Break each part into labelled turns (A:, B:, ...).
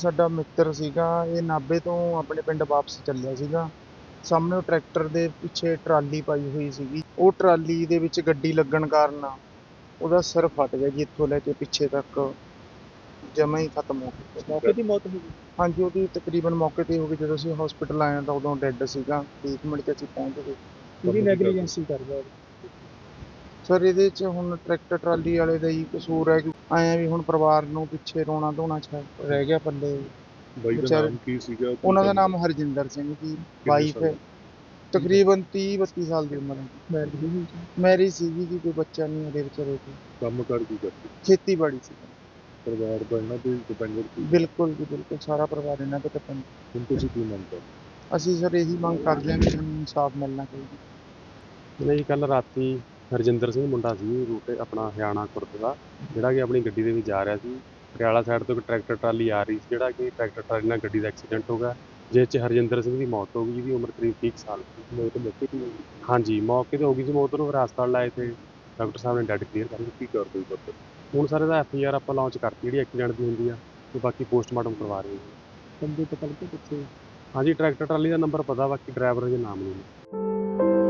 A: ਸਾਡਾ ਮਿੱਤਰ ਸੀਗਾ, ਇਹ ਨਾਭੇ ਤੋਂ ਆਪਣੇ ਪਿੰਡ ਵਾਪਸ ਚੱਲਿਆ ਸੀਗਾ। ਸਾਹਮਣੇ ਟਰੈਕਟਰ ਦੇ ਪਿੱਛੇ ਟਰਾਲੀ ਪਾਈ ਹੋਈ ਸੀਗੀ। ਉਹ ਟਰਾਲੀ ਦੇ ਵਿੱਚ ਗੱਡੀ ਲੱਗਣ ਕਾਰਨ ਉਹਦਾ ਸਿਰ ਫਟ ਗਿਆ ਜੀ, ਇੱਥੋਂ ਲੈ ਕੇ ਪਿੱਛੇ ਤੱਕ ਜਮਾਂ ਹੀ ਖਤਮ ਹੋ ਗਿਆ।
B: ਮੌਕੇ ਦੀ ਮੌਤ ਹੋ ਗਈ।
A: ਹਾਂਜੀ, ਉਹਦੀ ਤਕਰੀਬਨ ਮੌਕੇ ਤੇ ਹੋ ਗਈ। ਜਦੋਂ ਅਸੀਂ ਹਸਪੀਟਲ ਆਏ ਤਾਂ ਉਦੋਂ ਡੈੱਡ ਸੀਗਾ। 30 ਮਿੰਟ 'ਚ ਅਸੀਂ ਪਹੁੰਚ ਗਏ।
B: ਕਿਹਦੀ ਨੈਗਲੀਜੈਂਸੀ ਕਰਦਾ ਉਹ?
A: ਸਰ ਇਹਦੇ 'ਚ ਹੁਣ ਟਰੈਕਟਰ ਟਰਾਲੀ ਵਾਲੇ ਦਾ ਹੀ ਕਸੂਰ ਹੈ। ਆਇਆ ਵੀ ਹੁਣ ਪਰਿਵਾਰ ਨੂੰ ਪਿੱਛੇ ਰੋਣਾ ਧੋਣਾ ਰਹਿ ਗਿਆ ਪੱਲੇ।
C: ਬਾਈ ਦਾ
A: ਵਿਚਾਰੇ
C: ਨਾਮ ਕੀ ਸੀਗਾ?
A: ਉਹਨਾਂ ਦਾ ਨਾਮ ਹਰਜਿੰਦਰ ਸਿੰਘ ਜੀ। ਵਾਈਫ ਹੈ, ਤਕਰੀਬਨ 30-32 ਸਾਲ ਦੀ ਉਮਰ ਹੈ। ਮੈਰਿਜ ਸੀਗੀ ਜੀ, ਕੋਈ ਬੱਚਾ ਨਹੀਂ ਉਹਦੇ ਵਿਚਾਰੇ ਕੋਲ।
C: ਕੰਮ ਕਰ ਕੀ ਕਰਦੇ?
A: ਖੇਤੀਬਾੜੀ ਸੀ।
C: ਪਰਿਵਾਰ ਦਾ ਇਹਨਾਂ ਤੇ ਡਿਪੈਂਡੈਂਟ ਸੀ।
A: ਬਿਲਕੁਲ ਜੀ ਬਿਲਕੁਲ, ਸਾਰਾ ਪਰਿਵਾਰ ਇਹਨਾਂ ਤੇ ਡਿਪੈਂਡ।
C: ਹੁਣ ਤੁਸੀਂ ਕੀ ਮੰਗ ਕਰਦੇ?
A: ਅਸੀਂ ਸਰ ਇਹੀ ਮੰਗ ਕਰਦੇ ਹਾਂ ਕਿ ਸਾਨੂੰ ਇਨਸਾਫ ਮਿਲਣਾ ਚਾਹੀਦਾ।
D: ਨਹੀਂ, ਕੱਲ ਰਾਤੀ ਹਰਜਿੰਦਰ ਸਿੰਘ ਮੁੰਡਾ ਸੀ, ਰੂਟ ਆਪਣਾ ਹਰਿਆਣਾ ਖੁਰਦ ਦਾ, ਜਿਹੜਾ ਕਿ ਆਪਣੀ ਗੱਡੀ ਦੇ ਵਿੱਚ ਜਾ ਰਿਹਾ ਸੀ। ਪਟਿਆਲਾ ਸਾਈਡ ਤੋਂ ਇੱਕ ਟਰੈਕਟਰ ਟਰਾਲੀ ਆ ਰਹੀ ਸੀ, ਜਿਹੜਾ ਕਿ ਟਰੈਕਟਰ ਟਰਾਲੀ ਨਾਲ ਗੱਡੀ ਦਾ ਐਕਸੀਡੈਂਟ ਹੋ ਗਿਆ, ਜਿਸ 'ਚ ਹਰਜਿੰਦਰ ਸਿੰਘ ਦੀ ਮੌਤ ਹੋ ਗਈ, ਜਿਹਦੀ ਉਮਰ ਕਰੀਬ 30 ਸਾਲ ਸੀ।
C: ਮੌਤ ਮੌਕੇ ਤੇ ਹੋਈ?
D: ਹਾਂਜੀ, ਮੌਕੇ ਤੇ ਹੋ ਗਈ ਸੀ ਮੌਤ। ਨੂੰ ਫਿਰ ਹਸਪਤਾਲ ਲਾਏ ਤੇ ਡਾਕਟਰ ਸਾਹਿਬ ਨੇ ਡੈਡ ਕਲੀਅਰ ਕਰ ਦਿੱਤੀ।
C: ਕੀ ਕਰਦੇ ਹੋ ਪਤਾ?
D: ਹੁਣ ਸਰ ਇਹਦਾ FIR ਆਪਾਂ ਲਾਂਚ ਕਰਤੀ, ਜਿਹੜੀ ਐਕਸੀਡੈਂਟ ਦੀ ਹੁੰਦੀ ਆ, ਤੇ ਬਾਕੀ ਪੋਸਟਮਾਰਟਮ ਕਰਵਾ ਰਹੇ ਹਾਂ।
B: ਬੰਦੇ ਪਤਾ ਲੱਗਿਆ ਕਿੱਥੇ?
D: ਹਾਂਜੀ, ਟਰੈਕਟਰ ਟਰਾਲੀ ਦਾ ਨੰਬਰ ਪਤਾ, ਬਾਕੀ ਡਰਾਈਵਰ ਦੇ ਨਾਮ ਨਹੀਂ।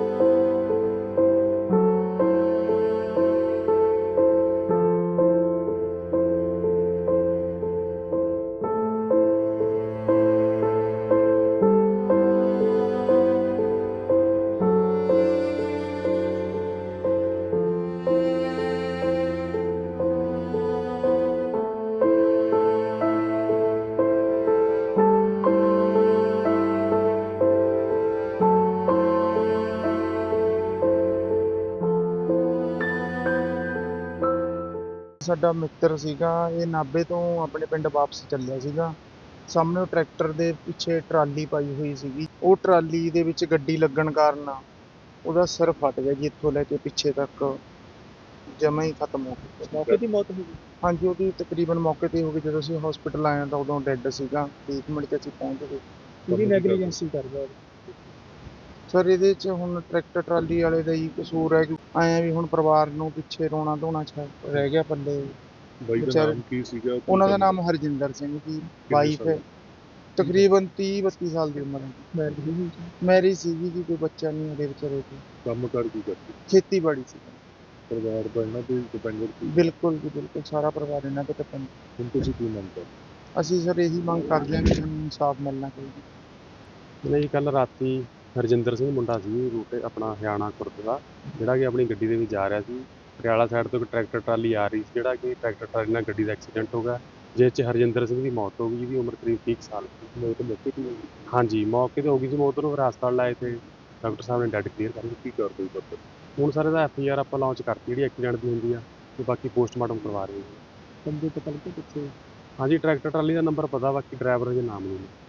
A: ਸਾਡਾ ਮਿੱਤਰ ਸੀਗਾ, ਇਹ ਨਾਭੇ ਤੋਂ ਆਪਣੇ ਪਿੰਡ ਵਾਪਸ ਚੱਲਿਆ ਸੀਗਾ। ਸਾਹਮਣੇ ਟਰੈਕਟਰ ਦੇ ਪਿੱਛੇ ਟਰਾਲੀ ਪਾਈ ਹੋਈ ਸੀਗੀ। ਉਹ ਟਰਾਲੀ ਦੇ ਵਿੱਚ ਗੱਡੀ ਲੱਗਣ ਕਾਰਨ ਉਹਦਾ ਸਿਰ ਫਟ ਗਿਆ ਜੀ, ਇੱਥੋਂ ਲੈ ਕੇ ਪਿੱਛੇ ਤੱਕ ਜਮਾਂ ਹੀ ਖਤਮ ਹੋ ਗਿਆ।
B: ਮੌਕੇ ਦੀ ਮੌਤ ਹੋ ਗਈ।
A: ਹਾਂਜੀ, ਉਹਦੀ ਤਕਰੀਬਨ ਮੌਕੇ ਤੇ ਹੋ ਗਈ। ਜਦੋਂ ਅਸੀਂ ਹਸਪੀਟਲ ਆਏ ਤਾਂ ਉਦੋਂ ਡੈੱਡ ਸੀਗਾ। 30 ਮਿੰਟ 'ਚ ਅਸੀਂ ਪਹੁੰਚ ਗਏ।
B: ਕਿਹਦੀ ਨੈਗਲੀਜੈਂਸੀ ਕਰਦਾ ਉਹ?
A: ਸਰ ਇਹਦੇ 'ਚ ਹੁਣ ਟਰੈਕਟਰ ਟਰਾਲੀ ਵਾਲੇ ਦਾ ਹੀ ਕਸੂਰ ਹੈ। ਆਇਆ ਵੀ ਹੁਣ ਪਰਿਵਾਰ ਨੂੰ ਪਿੱਛੇ ਰੋਣਾ ਧੋਣਾ ਰਹਿ ਗਿਆ ਪੱਲੇ।
C: ਬਾਈ ਦਾ
A: ਵਿਚਾਰੇ
C: ਨਾਮ ਕੀ ਸੀਗਾ?
A: ਉਹਨਾਂ ਦਾ ਨਾਮ ਹਰਜਿੰਦਰ ਸਿੰਘ ਜੀ। ਵਾਈਫ ਹੈ, ਤਕਰੀਬਨ 30-32 ਸਾਲ ਦੀ ਉਮਰ ਹੈ। ਮੈਰਿਜ ਸੀਗੀ ਜੀ, ਕੋਈ ਬੱਚਾ ਨਹੀਂ ਉਹਦੇ ਵਿਚਾਰੇ ਕੋਲ।
C: ਕੰਮ ਕਰ ਕੀ ਕਰਦੇ?
A: ਖੇਤੀਬਾੜੀ ਸੀ।
C: ਪਰਿਵਾਰ ਦਾ ਇਹਨਾਂ ਤੇ ਡਿਪੈਂਡੈਂਟ ਸੀ।
A: ਬਿਲਕੁਲ ਜੀ ਬਿਲਕੁਲ, ਸਾਰਾ ਪਰਿਵਾਰ ਇਹਨਾਂ ਤੇ ਡਿਪੈਂਡ।
C: ਹੁਣ ਤੁਸੀਂ ਕੀ ਮੰਗ ਕਰਦੇ?
A: ਅਸੀਂ ਸਰ ਇਹੀ ਮੰਗ ਕਰਦੇ ਹਾਂ ਕਿ ਸਾਨੂੰ ਇਨਸਾਫ ਮਿਲਣਾ ਚਾਹੀਦਾ।
D: ਨਹੀਂ, ਕੱਲ ਰਾਤੀ ਹਰਜਿੰਦਰ ਸਿੰਘ ਮੁੰਡਾ ਸੀ, ਰੂਟ ਆਪਣਾ ਹਰਿਆਣਾ ਖੁਰਦ ਦਾ, ਜਿਹੜਾ ਕਿ ਆਪਣੀ ਗੱਡੀ ਦੇ ਵਿੱਚ ਜਾ ਰਿਹਾ ਸੀ। ਪਟਿਆਲਾ ਸਾਈਡ ਤੋਂ ਇੱਕ ਟਰੈਕਟਰ ਟਰਾਲੀ ਆ ਰਹੀ ਸੀ, ਜਿਹੜਾ ਕਿ ਟਰੈਕਟਰ ਟਰਾਲੀ ਨਾਲ ਗੱਡੀ ਦਾ ਐਕਸੀਡੈਂਟ ਹੋ ਗਿਆ, ਜਿਸ 'ਚ ਹਰਜਿੰਦਰ ਸਿੰਘ ਦੀ ਮੌਤ ਹੋ ਗਈ, ਜਿਹਦੀ ਉਮਰ ਕਰੀਬ 30 ਸਾਲ ਸੀ।
C: ਮੌਤ ਮੌਕੇ ਤੇ ਹੋਈ?
D: ਹਾਂਜੀ, ਮੌਕੇ ਤੇ ਹੋ ਗਈ ਸੀ ਮੌਤ। ਨੂੰ ਫਿਰ ਹਸਪਤਾਲ ਲਾਏ ਤੇ ਡਾਕਟਰ ਸਾਹਿਬ ਨੇ ਡੈਡ ਕਲੀਅਰ ਕਰ ਦਿੱਤੀ।
C: ਕੀ ਕਰਦੇ ਹੋ ਪਤਾ?
D: ਹੁਣ ਸਰ ਇਹਦਾ FIR ਆਪਾਂ ਲਾਂਚ ਕਰਤੀ, ਜਿਹੜੀ ਐਕਸੀਡੈਂਟ ਦੀ ਹੁੰਦੀ ਆ, ਤੇ ਬਾਕੀ ਪੋਸਟਮਾਰਟਮ ਕਰਵਾ ਰਹੇ ਹਾਂ।
B: ਬੰਦੇ ਪਤਾ ਲੱਗਿਆ ਕਿੱਥੇ?
D: ਹਾਂਜੀ, ਟਰੈਕਟਰ ਟਰਾਲੀ ਦਾ ਨੰਬਰ ਪਤਾ, ਬਾਕੀ ਡਰਾਈਵਰ ਦੇ ਨਾਮ ਨਹੀਂ।